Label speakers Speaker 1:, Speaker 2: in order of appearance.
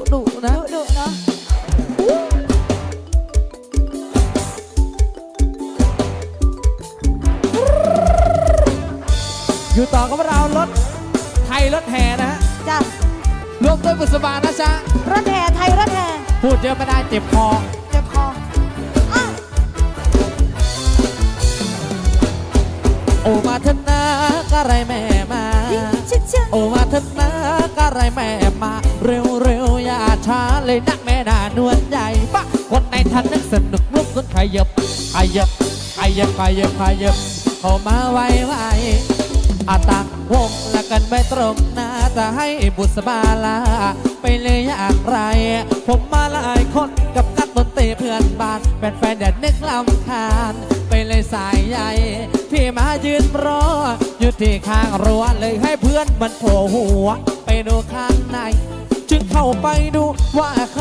Speaker 1: ดุนะ
Speaker 2: ดุเนาะ
Speaker 1: อยู่ต่อกับเรารถไทยรถแห่นะฮะ
Speaker 2: จ้ะ
Speaker 1: รวมด้วยบุษบานะจ๊ะ
Speaker 2: รถแห่ไทยรถแห่
Speaker 1: พูดเยอะไม่ได้เจ็บคอ
Speaker 2: เจ็บคอ
Speaker 1: โอมาเถอะนะกะไรแม่มาโอมาเถอะนะกะไรแม่มาเร็วเร็วอย่าช้าเลยนักแม่นานวลใหญ่ปะคนในทันนึกสนุกลุกขึ้นขยับขยับขยับขยับขยับเข้ามาไวไวอาตักวงละกันไม่ตรงหน้าจะให้บุษบาลาไปเลยอย่างไรผมมาหลายคนกับนักดนตรีเพื่อนบ้านแฟนๆอย่านึกลำคาญไปเลยสายใหญ่พี่มายืนรออยู่ที่ข้างรั้วเลยให้เพื่อนมันโผล่หัวไปดูข้างในจึงเข้าไปดูว่าใค